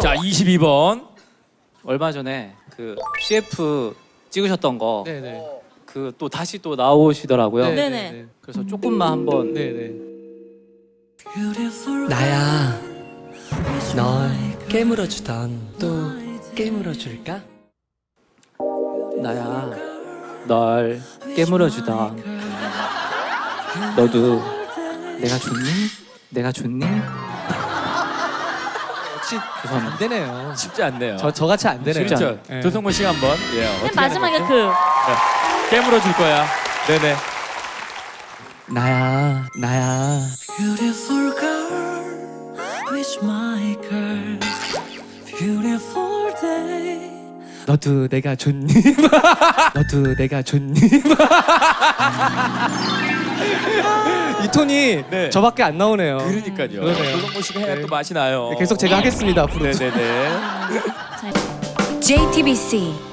자, 22번. 얼마 전에 그 CF 찍으셨던 거 네네. 그 또 다시 또 나오시더라고요. 네네. 그래서 조금만 한번 네네. 나야, 널 깨물어 주던 또 깨물어 줄까? 나야 널 깨물어 주던 너도 내가 좋니? 내가 좋니? 역시 죄송합니다. 안 되네요. 쉽지 않네요. 저 같이 안 되네요. 쉽지 그렇죠. 네. 조성모 씨가 한번. 예, 어떻게 맨 마지막에 하는 거죠? 깨물어 줄 거야. 네네. 나야. Beautiful girl, with my girl. Beautiful day. 너도 내가 좋니? 너도 내가 좋니? 이 톤이 네. 저밖에 안 나오네요. 그러니까요. 그러네요. 조성모 씨가 해야 네. 또 맛이 나요. 계속 제가 하겠습니다 앞으로. 네네네. JTBC